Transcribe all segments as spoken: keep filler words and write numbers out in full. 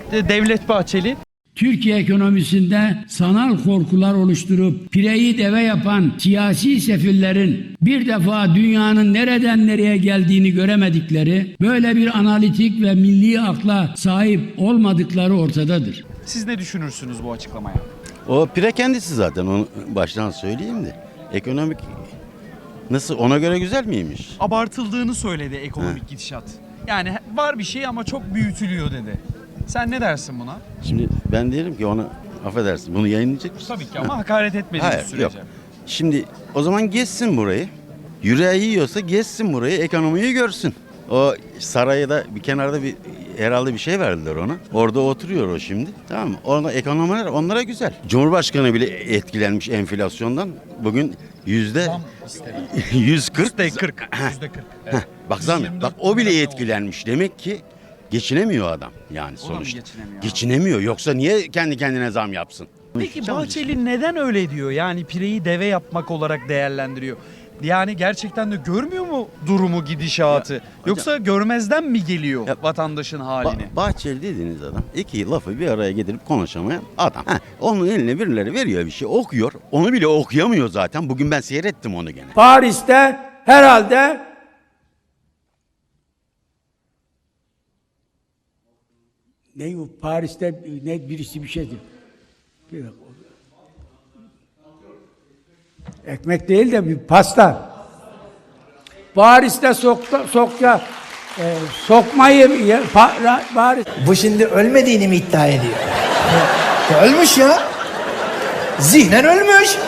Devlet Bahçeli. Türkiye ekonomisinde sanal korkular oluşturup pireyi deve yapan siyasi sefillerin bir defa dünyanın nereden nereye geldiğini göremedikleri, böyle bir analitik ve milli akla sahip olmadıkları ortadadır. Siz ne düşünürsünüz bu açıklamaya? O pire kendisi zaten, onu baştan söyleyeyim de. Ekonomik nasıl, ona göre güzel miymiş? Abartıldığını söyledi ekonomik He. gidişat. Yani var bir şey ama çok büyütülüyor dedi. Sen ne dersin buna? Şimdi ben derim ki ona, affedersin, bunu yayınlayacak mısın? Tabii ki ama hakaret etmediğiniz Hayır, sürece. yok. Şimdi o zaman gezsin burayı. Yüreği yiyorsa gezsin burayı, ekonomiyi görsün. O sarayda bir kenarda bir herhalde bir şey verdiler ona. Orada oturuyor o şimdi. Tamam mı? Orada ekonomiler onlara güzel. Cumhurbaşkanı bile etkilenmiş enflasyondan. Bugün yüzde Zam istedi. yüz kırk. Yüzde kırk. Yüzde kırk. Heh, baksana, bak o bile etkilenmiş. Demek ki geçinemiyor adam yani O da mı sonuçta. geçinemiyor? Geçinemiyor. Yoksa niye kendi kendine zam yapsın? Peki Bahçeli neden öyle diyor? Yani pireyi deve yapmak olarak değerlendiriyor. Yani gerçekten de görmüyor mu durumu, gidişatı? Ya, Yoksa görmezden mi geliyor Ya, vatandaşın halini? Ba- Bahçeli dediğiniz adam iki lafı bir araya getirip konuşamayan adam. Heh, onun eline birileri veriyor bir şey, okuyor. Onu bile okuyamıyor zaten. Bugün ben seyrettim onu gene. Paris'te herhalde ne bu Paris'te ne birisi bir şeydi. Bir dakika. Ekmek değil de bir pasta. Paris'te sokta, sokya e, sokmayı ye, pa, ra, Paris. Bu şimdi ölmediğini mi iddia ediyor? Ya ölmüş ya. Zihnen ölmüş.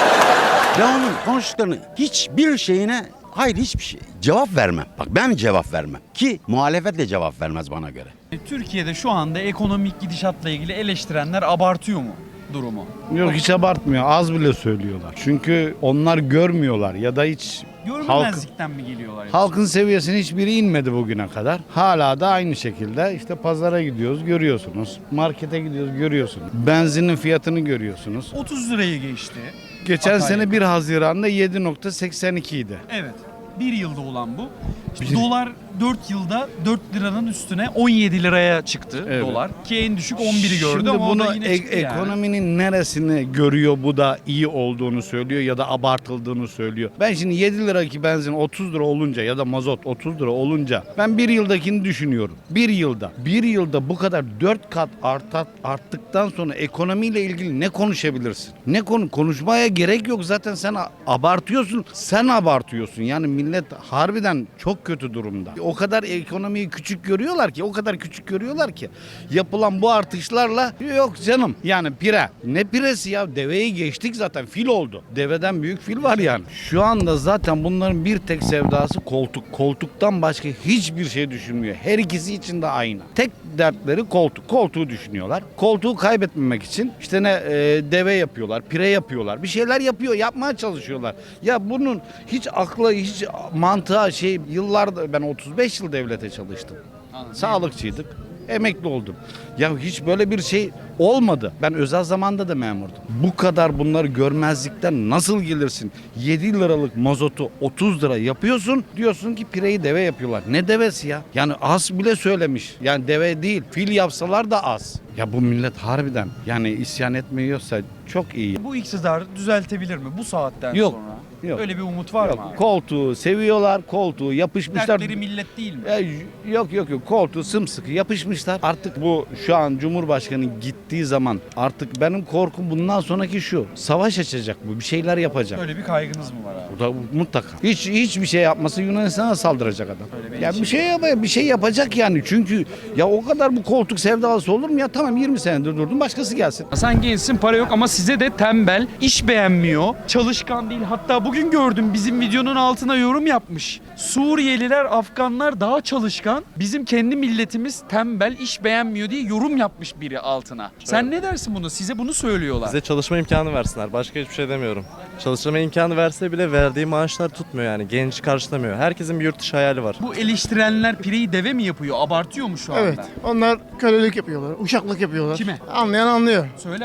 Ben onun konuştuklarını hiçbir şeyine, hayır hiçbir şey cevap vermem. Bak ben cevap vermem. Ki muhalefet de cevap vermez bana göre. Türkiye'de şu anda ekonomik gidişatla ilgili eleştirenler abartıyor mu durumu? Yok, hiç abartmıyor. Az bile söylüyorlar. Çünkü onlar görmüyorlar ya da hiç halk, Görmemezlikten mi geliyorlar? yoksa? halkın seviyesine hiçbiri inmedi bugüne kadar. Hala da aynı şekilde işte pazara gidiyoruz, görüyorsunuz. Markete gidiyoruz, görüyorsunuz. Benzinin fiyatını görüyorsunuz. otuz lirayı geçti. Geçen Hatay sene yakın. bir Haziran'da yedi nokta seksen iki idi. Evet. Bir yılda olan bu. İşte dolar dört yılda dört liranın üstüne on yedi liraya çıktı Evet. dolar. Ki en düşük on biri gördü Şimdi ama o bunu da yine e- çıktı yani. ekonominin neresini görüyor bu da iyi olduğunu söylüyor ya da abartıldığını söylüyor. Ben şimdi yedi liraki benzin otuz lira olunca ya da mazot otuz lira olunca ben bir yıldakini düşünüyorum. Bir yılda, bir yılda bu kadar dört kat artat, arttıktan sonra ekonomiyle ilgili ne konuşabilirsin? Ne konu konuşmaya gerek yok, zaten sen a- abartıyorsun. Sen abartıyorsun. Yani millet harbiden çok kötü durumda. O kadar ekonomiyi küçük görüyorlar ki, o kadar küçük görüyorlar ki yapılan bu artışlarla yok canım. Yani pire. Ne piresi ya? Deveyi geçtik zaten. Fil oldu. Deveden büyük fil var yani. Şu anda zaten bunların bir tek sevdası koltuk. Koltuktan başka hiçbir şey düşünmüyor. Her ikisi için de aynı. Tek dertleri koltuk. Koltuğu düşünüyorlar. Koltuğu kaybetmemek için işte ne e, deve yapıyorlar, pire yapıyorlar. Bir şeyler yapıyor, yapmaya çalışıyorlar. Ya bunun hiç akla, hiç mantığa şey, yıllarda ben otuz beş yıl devlete çalıştım. Anladım. Sağlıkçıydık. Emekli oldum. Ya hiç böyle bir şey olmadı. Ben özel zamanda da memurdum. Bu kadar bunları görmezlikten nasıl gelirsin? yedi liralık mazotu otuz lira yapıyorsun. Diyorsun ki pireyi deve yapıyorlar. Ne devesi ya? Yani az bile söylemiş. Yani deve değil. Fil yapsalar da az. Ya bu millet harbiden yani isyan etmiyorsa çok iyi. Bu iktidar düzeltebilir mi bu saatten Yok, sonra? yok. Öyle bir umut var mı Yok, abi? koltuğu seviyorlar, koltuğu yapışmışlar. Dertleri millet değil mi? Ya, yok yok yok, koltuğu sımsıkı yapışmışlar. Artık bu şu an Cumhurbaşkanı gittiği zaman artık benim korkum bundan sonraki şu. Savaş açacak bu, bir şeyler yapacak. Öyle bir kaygınız mı var abi? Bu da mutlaka. Hiç hiçbir şey yapması Yunanistan'a saldıracak adam. Öyle bir Ya endişe bir şey yap bir şey yapacak yani. Çünkü ya o kadar bu koltuk sevdalısı olur mu ya? Tamam, yirmi senedir durdum, başkası gelsin. Sen gençsin, para yok ama size de tembel, iş beğenmiyor, çalışkan değil. Hatta bugün gördüm bizim videonun altına yorum yapmış. Suriyeliler, Afganlar daha çalışkan, bizim kendi milletimiz tembel, iş beğenmiyor diye yorum yapmış biri altına. Sen ne dersin bunu? Size bunu söylüyorlar. Bize çalışma imkanı versinler. Başka hiçbir şey demiyorum. Çalışma imkanı verse bile verdiği maaşlar tutmuyor yani. Genç karşılamıyor. Herkesin bir yurt dışı hayali var. Bu eleştirenler pireyi deve mi yapıyor? Abartıyor mu şu anda? Evet. Onlar kölelik yapıyorlar, uşaklık yapıyorlar. Kime? Anlayan anlıyor. Söyle abi.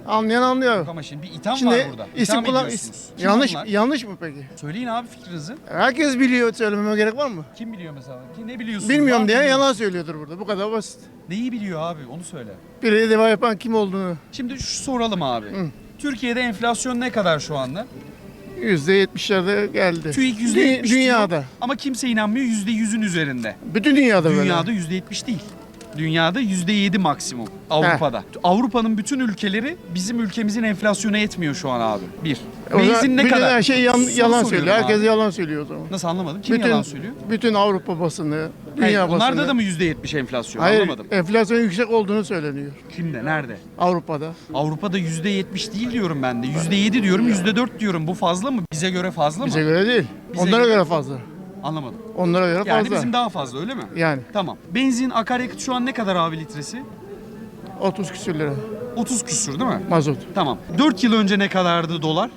Anlayan anlıyor. Ama şimdi bir itham var Şimdi burada. isim İtham kullan ediyorsunuz. is- Kim yanlış onlar? yanlış mı peki? Söyleyin abi fikrinizi. Herkes biliyor, söylememe gerek var mı? Kim biliyor mesela? Ki ne biliyorsunuz? Var Bilmiyorum mı diye biliyorsunuz? yalan söylüyordur burada. Bu kadar basit. Neyi biliyor abi? Onu söyle. Biri deva yapan kim olduğunu Şimdi şu soralım abi. Türkiye'de enflasyon ne kadar şu anda? yüzde yetmişlerde geldi. TÜİK yüzde Dü- yetmiş diyor. Dünyada. Ama kimse inanmıyor yüzde yüzün üzerinde. Bütün dünyada böyle. Dünyada yüzde yetmiş değil. Dünyada yüzde yedi maksimum Avrupa'da. Avrupa'nın bütün ülkeleri bizim ülkemizin enflasyona etmiyor şu an abi. Bir. O zaman Benzin ne bütün kadar? her şey yan- Soru yalan soruyorum söylüyor. Herkes abi. yalan söylüyor o zaman. Nasıl anlamadım? Kim bütün, yalan söylüyor? Bütün Avrupa basını, Hayır, dünya basını. onlarda da mı yüzde yetmiş enflasyon? Hayır, Anlamadım. enflasyon yüksek olduğunu söyleniyor Kimde? Nerede? Avrupa'da. Avrupa'da yüzde yetmiş değil diyorum ben de. Yüzde yedi diyorum, yüzde dört diyorum. Bu fazla mı? Bize göre fazla Bize mı? göre değil. Bize Onlara göre- göre fazla. Anlamadım. Onlara göre Yani fazla. bizim daha fazla öyle mi? Yani Tamam. Benzin, akaryakıt şu an ne kadar abi litresi? otuz küsür lira otuz küsür değil mi? mazot. Tamam. dört yıl önce ne kadardı dolar?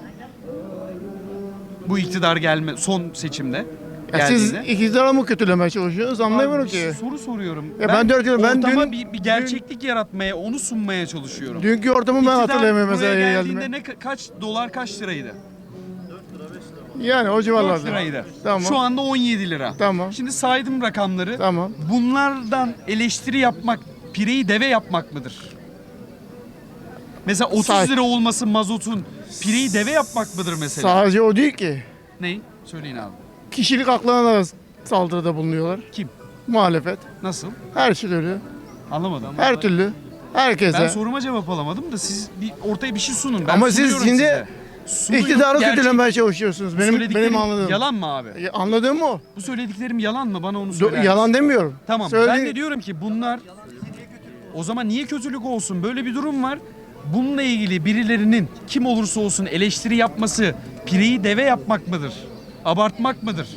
Bu iktidar gelme son seçimde. Ya siz geldiğinde. ikizlere mı kötülemeye çalışıyorsunuz anlayamıyorum Abi, bir ki. Soru soruyorum. Ya ben dört yıl- ben ortama dün- bir, bir gerçeklik yaratmaya, onu sunmaya çalışıyorum. Dünkü ortamı ben İktidar hatırlayamıyorum mesela buraya geldiğimde. geldiğinde ne ka- kaç dolar kaç liraydı? Yani o dört civarlarda. liraydı. Tamam. Şu anda on yedi lira. Tamam. Şimdi saydım rakamları. Tamam. Bunlardan eleştiri yapmak, pireyi deve yapmak mıdır? Mesela otuz Say- lira olması mazotun pireyi deve yapmak mıdır mesela? Sadece o değil ki. Ney? Söyleyin abi. Kişilik haklarına da saldırıda bulunuyorlar. Kim? Muhalefet. Nasıl? Her türlü. Anlamadım. Her türlü. Herkese. Ben soruma cevap alamadım da siz bir ortaya bir şey sunun. Ben Ama siz sunuyorum şimdi size. Sunuyorum. İktidarı Gerçek- kötülemeye çalışıyorsunuz. Bu Benim söylediklerim benim anladığım. Yalan mı abi? Ya, Anladığım o. Bu söylediklerim yalan mı? Bana onu Do- söyler yalan misin? demiyorum. Tamam. Söyle- Ben de diyorum ki bunlar o zaman niye kötülük olsun? Böyle bir durum var. Bununla ilgili birilerinin kim olursa olsun eleştiri yapması pireyi deve yapmak mıdır? Abartmak mıdır?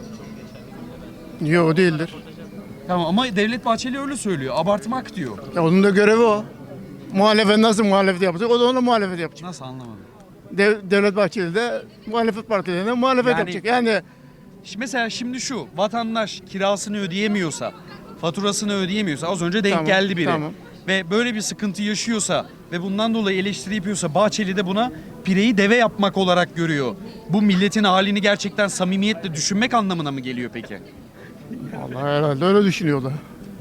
Yok değildir. Tamam ama Devlet Bahçeli öyle söylüyor. Abartmak diyor. Ya onun da görevi o. Muhalefet nasıl muhalefet yapacak? O da ona muhalefet yapacak. Nasıl anlamadım? Dev- Devlet Bahçeli de muhalefet partilerine muhalefet Yani- yapacak. Yani Şimdi mesela şimdi şu vatandaş kirasını ödeyemiyorsa, faturasını ödeyemiyorsa az önce denk Tamam, geldi biri. tamam. Ve böyle bir sıkıntı yaşıyorsa ve bundan dolayı eleştiri yapıyorsa Bahçeli de buna pireyi deve yapmak olarak görüyor. Bu milletin halini gerçekten samimiyetle düşünmek anlamına mı geliyor peki? Allah herhalde öyle düşünüyorlar.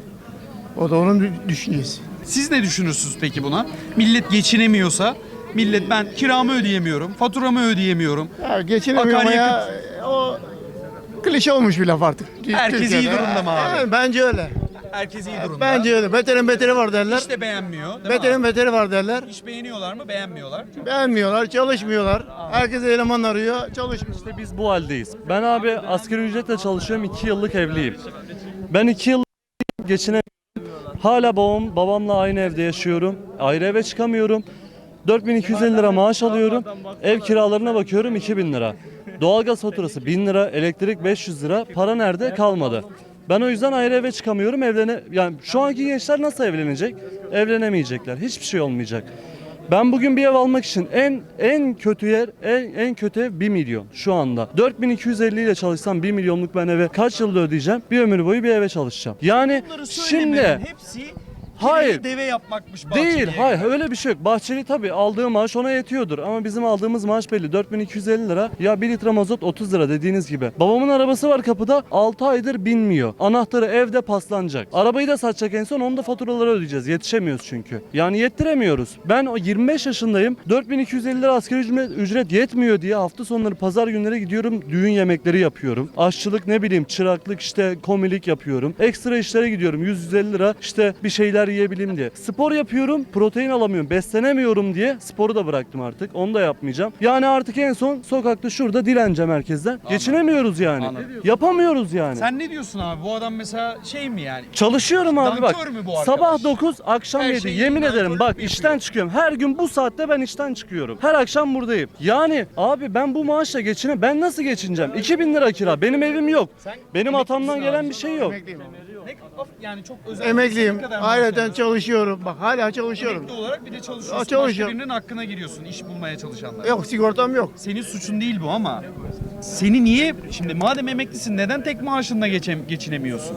O da onun dü- düşüncesi. Siz ne düşünürsünüz peki buna? Millet geçinemiyorsa, millet ben kiramı ödeyemiyorum, faturamı ödeyemiyorum. Ya geçinemiyor ama ya o klişe olmuş bir laf artık. Herkes iyi Türkiye'de. durumda mı abi? Yani bence öyle. Herkes iyi durumda. Bence öyle. Beterin beteri var derler. Hiç de beğenmiyor. Değil mi Beterin abi? beteri var derler. İş beğeniyorlar mı? Beğenmiyorlar. Beğenmiyorlar, çalışmıyorlar. Herkes eleman arıyor, çalışmıyor. İşte biz bu haldeyiz. Ben abi asgari ücretle çalışıyorum. iki yıllık evliyim. Ben iki yıllık geçine hala babam babamla aynı evde yaşıyorum. Ayrı eve çıkamıyorum. dört bin iki yüz elli lira maaş alıyorum. Ev kiralarına bakıyorum iki bin lira. Doğalgaz faturası bin lira, elektrik beş yüz lira. Para nerede? Kalmadı. Ben o yüzden ayrı eve çıkamıyorum. Evlene yani şu anki gençler nasıl evlenecek? Evlenemeyecekler. Hiçbir şey olmayacak. Ben bugün bir ev almak için en en kötü yer en en kötü ev bir milyon şu anda. dört bin iki yüz elli ile çalışsam bir milyonluk ben eve kaç yılda ödeyeceğim? Bir ömür boyu bir eve çalışacağım. Yani Bunları şimdi söylemenin hepsi Hayır. pireyi deve yapmakmış Bahçeli'ye. değil, hayır öyle bir şey yok. Bahçeli tabii aldığı maaş ona yetiyordur ama bizim aldığımız maaş belli dört bin iki yüz elli lira. Ya bir litre mazot otuz lira dediğiniz gibi. Babamın arabası var kapıda altı aydır binmiyor. Anahtarı evde paslanacak. Arabayı da satacak en son onu da faturaları ödeyeceğiz. Yetişemiyoruz çünkü. Yani yettiremiyoruz. Ben o yirmi beş yaşındayım. dört bin iki yüz elli lira asgari ücret, ücret yetmiyor diye hafta sonları pazar günleri gidiyorum. Düğün yemekleri yapıyorum. Aşçılık ne bileyim çıraklık işte komilik yapıyorum. Ekstra işlere gidiyorum. yüz yüz elli lira işte bir şeyler yiyebileyim diye. Spor yapıyorum, protein alamıyorum, beslenemiyorum diye sporu da bıraktım artık. Onu da yapmayacağım. Yani artık en son sokakta şurada dileneceğim herkesten. Geçinemiyoruz yani. Anladım. Yapamıyoruz yani. Sen ne diyorsun abi? Bu adam mesela şey mi yani? Çalışıyorum abi bak. Nankör mü bu arkadaş? Sabah dokuz, akşam Her yedi. şeyi Yemin nankörlük ederim mü bak yapıyor? işten çıkıyorum. Her gün bu saatte ben işten çıkıyorum. Her akşam buradayım. Yani abi ben bu maaşla geçine ben nasıl geçineceğim? iki bin lira kira. Benim evim yok. Benim atamdan gelen bir şey yok. Emekliyim. Ne, yani çok özel. Emekliyim. Ne kadar maaş Ayrıca alıyorsun? çalışıyorum. Bak hala çalışıyorum. Emekli olarak bir de çalışıyorsun. Aa, Başka çalışıyorum. birinin hakkına giriyorsun iş bulmaya çalışanlar. Yok sigortam yok. Senin suçun değil bu ama seni niye şimdi madem emeklisin neden tek maaşınla geçem, geçinemiyorsun?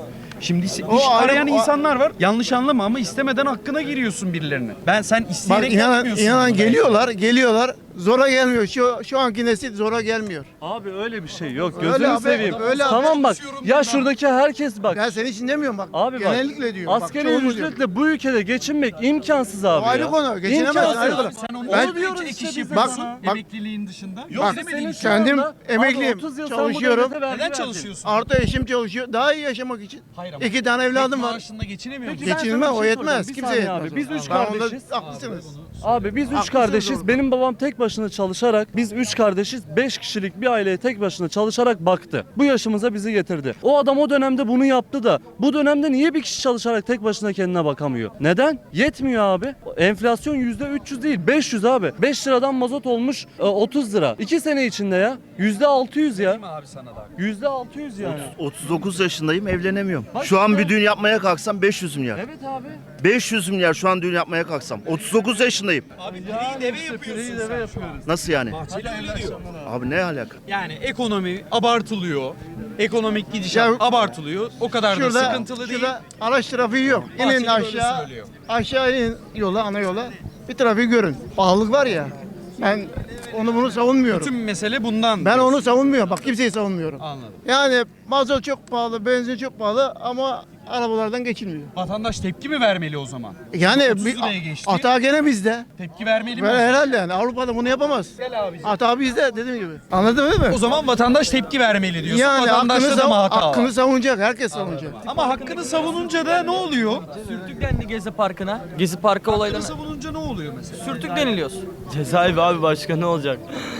Şimdi iş O ayrı- arayan o- insanlar var. Yanlış anlama ama istemeden hakkına giriyorsun birilerine. Ben sen Bak isteyerek inanan, yapmıyorsun. inanan bunu. geliyorlar, geliyorlar. Zora gelmiyor. Şu şu anki nesil zora gelmiyor. Abi öyle bir şey yok. Öyle Gözünü abi, seveyim. öyle abi. Tamam bak. Ya şuradaki herkes bak. Ben senin için demiyorum bak. Abi bak. genellikle diyorum. Bak, Asgari çoğunluk diyorum. ücretle bu ülkede geçinmek imkansız abi O ayrı ya. konu, geçinemezsin, İmkansız. ayrı konu. Sen onu Ben- ben, diyoruz ek işte iş bize yapıyorsun sana. Bak- emekliliğin dışında. Yok Bak, senin şu kendim anda- emekliyim, Abi otuz yıl sen bu çalışıyorum. devlete vergi Neden verdin. çalışıyorsun? Artı eşim çalışıyor. Daha iyi yaşamak için. Hayır ama İki tane evladım tek var. maaşınla geçinemiyor Peki musun? ben Geçinme sana bir o şey yetmez. soracağım. Bir Kimse saniye yetmez. abi, biz üç Ben onda kardeşiz. haklısınız. Abi biz üç Haklısınız kardeşiz. orada. Benim babam tek başına çalışarak, biz üç kardeşiz. Beş kişilik bir aileye tek başına çalışarak baktı. Bu yaşımıza bizi getirdi. O adam o dönemde bunu yaptı da bu dönemde niye bir kişi çalışarak tek başına kendine bakamıyor? Neden? Yetmiyor abi. Enflasyon yüzde üç yüz değil beş yüz abi. beş liradan mazot olmuş e, otuz lira. iki sene içinde ya. yüzde altı yüz ya. Değil mi abi sana da? yüzde altı yüz yani. otuz dokuz yaşındayım, evlenemiyorum. Bak Şu an işte. bir düğün yapmaya kalksam beş yüz milyar. Evet abi. beş yüz milyar şu an düğün yapmaya kalksam. otuz dokuz yaşındayım. Abi pireyi deve yapıyorsun sen. yapıyoruz. Nasıl yani? Bahçeli öyle diyor. Abi ne alaka? Yani ekonomi abartılıyor. Ekonomik gidişat Ya- abartılıyor. O kadar da Şurada, sıkıntılı değil. şurada araç trafiği yok. Bahçeli İnin böyle aşağı, söylüyor. aşağı inin yola, ana yola. Bir trafiği görün. Pahalılık var ya. Ben onu bunu savunmuyorum. Tüm mesele bundan. Ben onu savunmuyorum. Bak kimseyi savunmuyorum. Anladım. Yani mazot çok pahalı, benzin çok pahalı ama arabalardan geçilmiyor. Vatandaş tepki mi vermeli o zaman? Yani otuz bir liraya geçti. hata gene bizde. Tepki vermeli mi? Böyle herhalde yani Avrupa'da bunu yapamaz. Hata bizde dediğim gibi. Anladın değil mi? O zaman vatandaş tepki vermeli diyorsun. Yani Vatandaşta hakkını, da mı sav- hata hakkını var? savunacak. Herkes savunacak. Ama hakkını savununca da ne oluyor? Sürtük dendi Gezi Parkı'na. Gezi Parkı Hakkını olaylarına. savununca ne oluyor mesela? Sürtük deniliyoruz. Cezaevi abi başka ne olacak?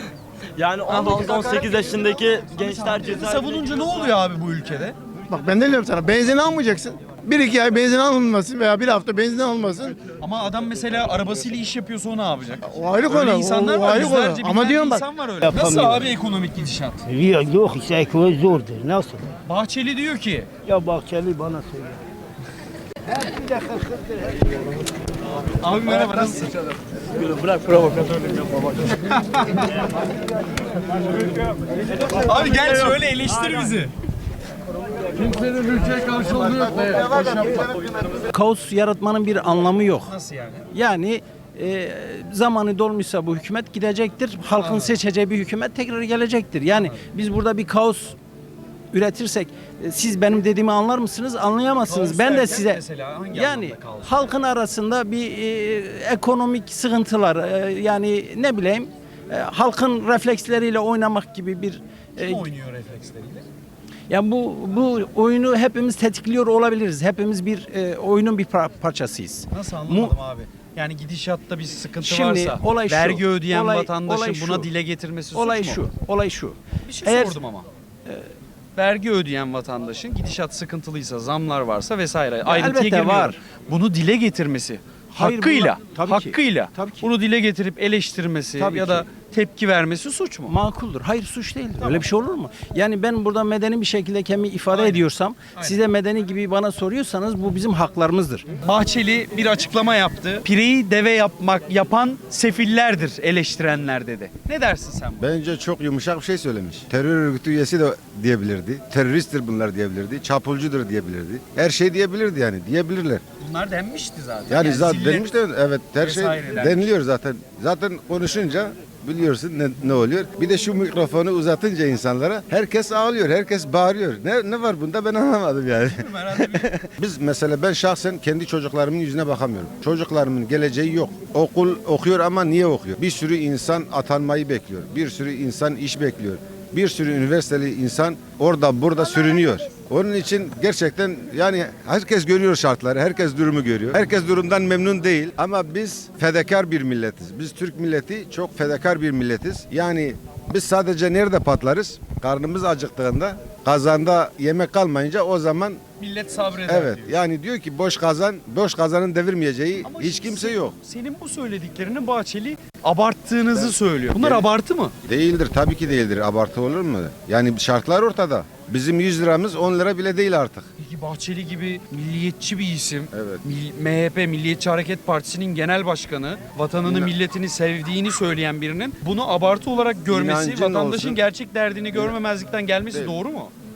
Yani on dokuz on sekiz yaşındaki gençler Hakkını cezaevine savununca ne oluyor abi bu ülkede? Bak ben de diyorum sana benzin almayacaksın. Bir iki ay benzin alınmasın veya bir hafta benzin alınmasın. Ama adam mesela arabasıyla iş yapıyorsa o ne yapacak? O ayrı Öyle konu. insanlar o, o var. ayrı Yüzlerce, konu. Ama binlerce diyorum bak. insan var öyle. Nasıl abi ekonomik gidişat? Yok işte ekonomi zordur. Nasıl? Bahçeli diyor ki Ya Bahçeli bana söyle. abi merhaba nasılsın? bırak provokatörlük yapma. Abi gel şöyle eleştir bizi. Kaos yaratmanın bir anlamı yok. Nasıl yani? Yani e, zamanı dolmuşsa bu hükümet gidecektir. Halkın seçeceği bir hükümet tekrar gelecektir. Yani biz burada bir kaos üretirsek e, siz benim dediğimi anlar mısınız? Anlayamazsınız. Kaos ben de derken size mesela hangi yani anlamda kaos? halkın arasında bir e, ekonomik sıkıntılar e, yani ne bileyim e, halkın refleksleriyle oynamak gibi bir e, Kim oynuyor refleksleriyle? yani bu bu oyunu hepimiz tetikliyor olabiliriz. Hepimiz bir e, oyunun bir par- parçasıyız. Nasıl anlamadım abi? Yani gidişatta bir sıkıntı Şimdi varsa olay şu, vergi ödeyen olay- vatandaşın olay buna şu. dile getirmesi Olay suç mu? şu. Olay şu. Bir şey Eğer- sordum ama. Vergi ödeyen vatandaşın gidişat sıkıntılıysa, zamlar varsa vesaire ayrıntıya elbette girmiyorum. var. Bunu dile getirmesi Hayır, hakkıyla, bunlar- tabii ki. hakkıyla Tabii ki. bunu dile getirip eleştirmesi Tabii ya ki. da tepki vermesi suç mu? Makuldür. Hayır suç değildir. Öyle bir şey olur mu? Yani ben burada medeni bir şekilde kendimi ifade ediyorsam, siz de medeni gibi bana soruyorsanız bu bizim haklarımızdır. Bahçeli bir açıklama yaptı. Pireyi deve yapmak yapan sefillerdir eleştirenler dedi. Ne dersin sen buna? Bence çok yumuşak bir şey söylemiş. Terör örgütü üyesi de diyebilirdi. Teröristtir bunlar diyebilirdi. Çapulcudur diyebilirdi. Her şey diyebilirdi yani. Diyebilirler. Bunlar denmişti zaten. Yani, zaten zillet denmiş de evet her şey vesaire denmiş. deniliyor zaten. Zaten konuşunca biliyorsun ne, ne oluyor. Bir de şu mikrofonu uzatınca insanlara herkes ağlıyor, herkes bağırıyor. Ne ne var bunda ben anlamadım yani. herhalde bir Biz mesela ben şahsen kendi çocuklarımın yüzüne bakamıyorum. Çocuklarımın geleceği yok. Okul okuyor ama niye okuyor? Bir sürü insan atanmayı bekliyor. Bir sürü insan iş bekliyor. Bir sürü üniversiteli insan orada burada sürünüyor. Onun için gerçekten yani herkes görüyor şartları, herkes durumu görüyor. Herkes durumdan memnun değil ama biz fedakar bir milletiz. Biz Türk milleti çok fedakar bir milletiz. Yani biz sadece nerede patlarız? Karnımız acıktığında, kazanda yemek kalmayınca o zaman millet sabreder evet diyor. yani diyor ki boş kazan, boş kazanın devirmeyeceği Ama hiç şimdi kimse sen- yok. Senin bu söylediklerini Bahçeli abarttığınızı söylüyor. Bunlar Ben- abartı mı? Değildir tabii ki değildir. Abartı olur mu? Yani şartlar ortada. Bizim yüz liramız on lira bile değil artık. Peki Bahçeli gibi milliyetçi bir isim, Evet. Mil- M H P Milliyetçi Hareket Partisi'nin genel başkanı, vatanını, İnan- milletini sevdiğini söyleyen birinin bunu abartı olarak görmesi, İnancın vatandaşın olsun. gerçek derdini görmemezlikten gelmesi Değil. doğru mu?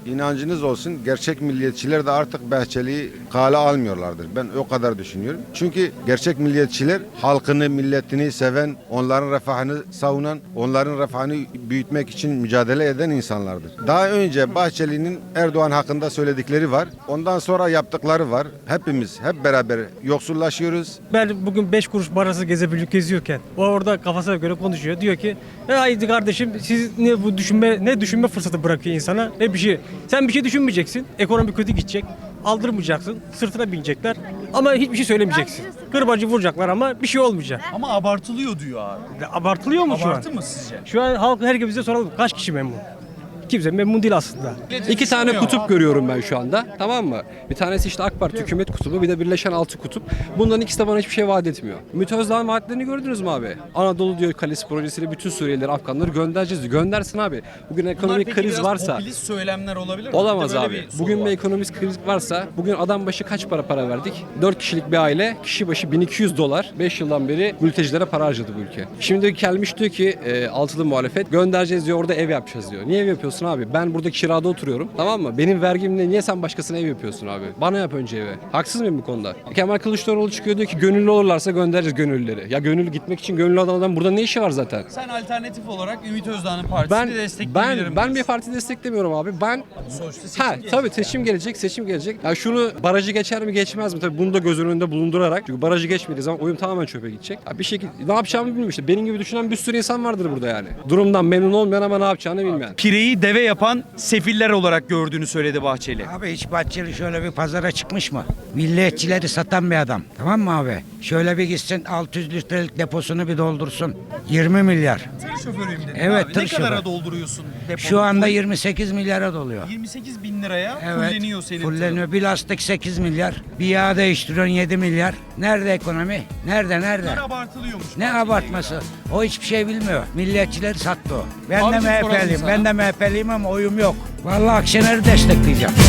inancınız olsun, gerçek milliyetçiler de artık Bahçeli'yi kale almıyorlardır. Ben o kadar düşünüyorum. Çünkü gerçek milliyetçiler halkını, milletini seven, onların refahını savunan, onların refahını büyütmek için mücadele eden insanlardır. Daha önce Bahçeli'nin Erdoğan hakkında söyledikleri var. Ondan sonra yaptıkları var. Hepimiz hep beraber yoksullaşıyoruz. Ben bugün beş kuruş parası gezebilip geziyorken o orada kafasına göre konuşuyor. Diyor ki haydi kardeşim siz ne bu düşünme ne düşünme fırsatı bırakıyor insana ne bir şey. Sen bir şey düşünmeyeceksin. Ekonomi kötü gidecek. Aldırmayacaksın. Sırtına binecekler. Ama hiçbir şey söylemeyeceksin. Kırbacı vuracaklar ama bir şey olmayacak. Ama abartılıyor diyor abi. Abartılıyor mu şu an? Abartı mı sizce? Şu an halk herkese soralım kaç kişi memnun? Kimse memnun değil aslında. İki tane kutup görüyorum ben şu anda. Tamam mı? Bir tanesi işte AK Parti hükümet kutubu, bir de Birleşen Altı Kutup. Bunların ikisi de bana hiçbir şey vaat etmiyor. Ümit Özdağ'ın vaatlerini gördünüz mü abi? Anadolu diyor Kalesi projesiyle bütün Suriyelileri, Afganları göndereceğiz diyor. Göndersin abi. Bugün ekonomik kriz varsa Popülist söylemler olabilir mi? olamaz Bir de böyle abi. bir soru Bugün var. bir ekonomik kriz varsa bugün adam başı kaç para para verdik? dört kişilik bir aile kişi başı bin iki yüz dolar beş yıldan beri mültecilere para harcadı bu ülke. Şimdi gelmiş diyor ki e, altılı muhalefet göndereceğiz diyor, orada ev yapacağız diyor. Niye ev yapıyorsun abi? Ben burada kirada oturuyorum, tamam mı? Benim vergimle niye sen başkasına ev yapıyorsun abi? Bana yap önce evi. Haksız mıyım bu konuda? Kemal Kılıçdaroğlu çıkıyor diyor ki gönüllü olurlarsa göndereceğiz gönüllüleri. Ya gönüllü gitmek için gönüllü adam burada ne işi var zaten? Sen alternatif olarak Ümit Özdağ'ın partisini Ben destekleyebilirim. ben ben bir parti desteklemiyorum abi. Ben Sonuçta seçim ha gelecek. tabii seçim gelecek, seçim gelecek. Ya şunu barajı geçer mi geçmez mi? Tabii bunu da göz önünde bulundurarak. Çünkü barajı geçmediği zaman oyun tamamen çöpe gidecek. Ya bir şekilde ne yapacağımı bilmiyorum işte. Benim gibi düşünen bir sürü insan vardır burada yani. Durumdan memnun olmayan ama ne yapacağını bilmeyen. Pireyi deve yapan sefiller olarak gördüğünü söyledi Bahçeli. Abi hiç Bahçeli şöyle bir pazara çıkmış mı? Milliyetçileri satan bir adam. Tamam mı abi? Şöyle bir gitsin altı yüz litrelik deposunu bir doldursun. yirmi milyar. Tır şoförüyüm dedin Evet, abi. tır Ne kadara şoförü. dolduruyorsun depoyu? Şu anda yirmi sekiz milyara doluyor. yirmi sekiz bin liraya Evet. fulleniyor senin tırın. Fulleniyor. Bir lastik sekiz milyar. Bir yağ değiştiriyorsun yedi milyar. Nerede ekonomi? Nerede nerede? Bunlar abartılıyormuş. Ne abartması? O hiçbir şey bilmiyor. Milliyetçileri sattı o. Ben Abicim de soralım M H P'liyim. sana. Ben de M H P'liyim ama oyum yok. Vallahi Akşener'i destekleyeceğim.